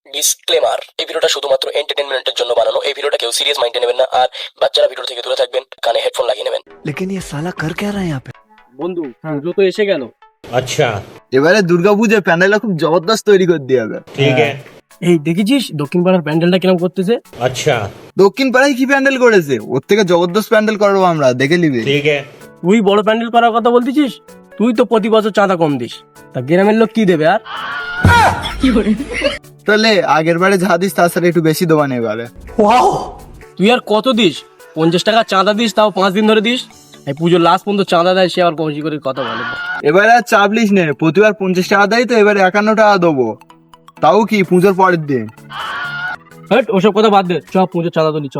Disclaimer, এই ভিডিওটা শুধুমাত্র এন্টারটেইনমেন্টের জন্য বানানো। এই ভিডিওটা কেউ সিরিয়াস মাইন্ডে নেবেন না, আর বাচ্চারা ভিডিও থেকে দূরে থাকবেন, কানে হেডফোন লাগিয়ে নেবেন। लेकिन ये साला कर क्या रहा है यहाँ पे। বন্ধু পুজো তো এসে গেল। अच्छा এবারে দুর্গাপূজার প্যান্ডেলটা খুব জবরদস্ত তৈরি করে দিয়ে হবে। ठीक है। এই দেখেছিস দক্ষিণ পাড়ার প্যান্ডেলটা কিরম করতেছে? अच्छा দক্ষিণ পাড়ায় কি প্যান্ডেল করেছে? ওর থেকে জবরদস্ত প্যান্ডেল করবো আমরা, দেখে নিবি। ठीक है। তুই বড় প্যান্ডেল করার কথা বলতেছিস? তুই তো প্রতি বছর চাঁদা কম দিস, তা গ্রামের লোক কি দেবে আর? তাহলে আগের বারে যা দিস তার সাথে একটু বেশি দেবান এবারে। তুই আর কত দিস? 50 টাকা চাঁদা দিস, তাও 5 দিন ধরে দিস। এই পুজোর লাস্ট পর্যন্ত চাঁদা দেয়, সে আবার কমজি করে কথা বলে। এবারে আর চাপলিস নে, প্রতিবার 50 টাকা দেয় তো এবারে 51 টাকা দেবো, তাও কি পুজোর পরের দিন। হট, ওসব কথা বাদ দে, চ পুজোর চাঁদা তুলি চ।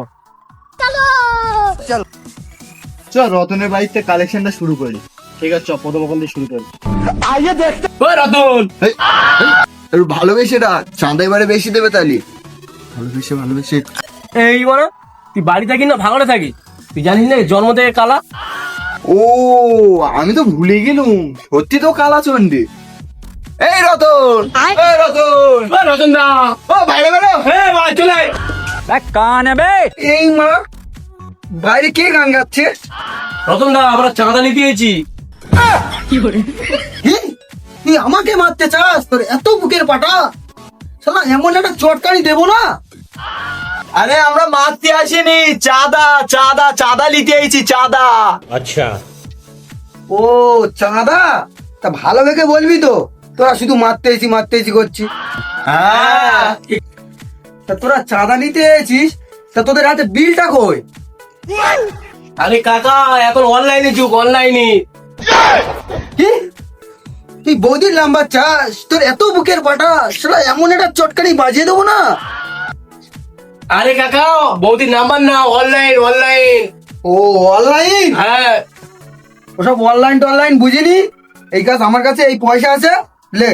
চ রতনের বাড়িতে কালেকশনটা শুরু করি। ঠিক আছে চ, প্রথম ওখান দিয়ে শুরু করি। ওই রতন, এই, একটু ভালোবেসে রাখ, চাঁদা এবারে বেশি দেবে তাহলে। ভালোবেসে এই মানে তুই বাড়ি থাকি না ভাঙড়ে থাকি? তুই জানিস না জন্ম থেকে কালা? ও আমি তো ভুলে গেলুম, সত্যি তো কালা চন্ডী। এই রতন, এই রতন, ওই রতন দা, ও বাইরে বেরো। হ্যাঁ ভাই চলে আয়। এই মা, বাইরে কে গান গাচ্ছে? রতন দা, আমরা চাঁদা নিতে এসেছি। কি? তুই আমাকে মারতে চাস? তোর এত বুকের পাটা, শালা এমন একটা চটকানি দেবো না। আরে আমরা মারতে আসিনি, চাঁদা চাঁদা চাঁদা নিতে আইছি, চাঁদা। अच्छा ও চাঁদা, তা ভালো ভেবে বলবি তো, তোরা শুধু মারতে এসি করছি। হ্যাঁ, তা তোরা চাঁদা নিতে এসেছিস, তা তোদের হাতে বিলটা কই? আরে কাকা, এখন অনলাইনে যুগ, অনলাইনে। কি? তুই বৌদির নাম্বার চাস? তোর এত বুকের পাটা, শালা এমন একটা চটকানি বাজিয়ে দেবো না। আরে কাকা, বৌদির নাম্বার না, অনলাইন অনলাইন। ও অনলাইন? হ্যাঁ, ওসব অনলাইন টনলাইন বুঝিনি, এই কাজ আমার কাছে, এই পয়সা আছে, লে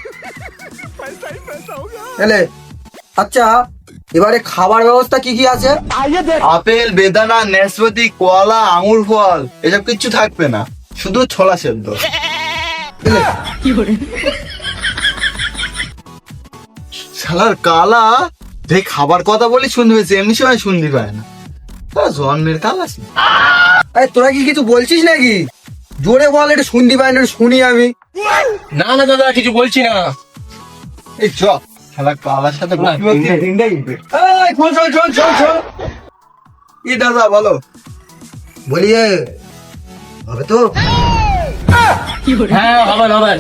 এলে। আচ্ছা, এবারে খাবার ব্যবস্থা কি কি আছে? আপেল, বেদানা, নাশপাতি, কলা, আঙুর ফল, এসব কিচ্ছু থাকবে না, শুধু ছোলা সেদ্ধ। শালার কালা, যে খাবার কথা বলি শুনতে পেয়েছে, এমনি সময় শুনতে পায় না, জন্মের কাল আছে। তোরা কি কিছু বলছিস নাকি? জোরে বল, এটা শুনতে পাই না, শুনি আমি। না না দাদা, কিছু বলছি না। এই চ, শালা কালার সাথে কি দাদা বলো, বলি হবে তো? হ্যাঁ হবেন হবেন।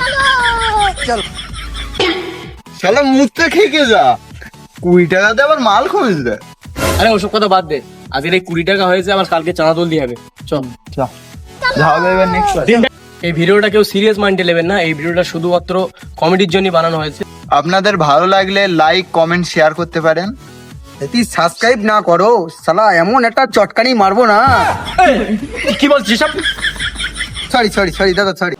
শালা মুখটা খেকে যা, 20 টাকাতে আবার মাল খোঁজ দেয়। আরে ওসব কথা বাদ দে, আজকের এই 20 টাকা হয়েছে, আবার কালকে চাঁদা তুলতে হবে। চল যাবে এবার নেক্সট। এই ভিডিওটা কেউ সিরিয়াস মাইন্ডে নেবেন না, এই ভিডিওটা শুধুমাত্র কমেডির জন্য বানানো হয়েছে। আপনাদের ভালো লাগলে লাইক কমেন্ট শেয়ার করতে পারেন। যদি সাবস্ক্রাইব না করো, শালা এমন একটা চটকানি মারবো না। কি বলছিস? সরি দাদা, সরি।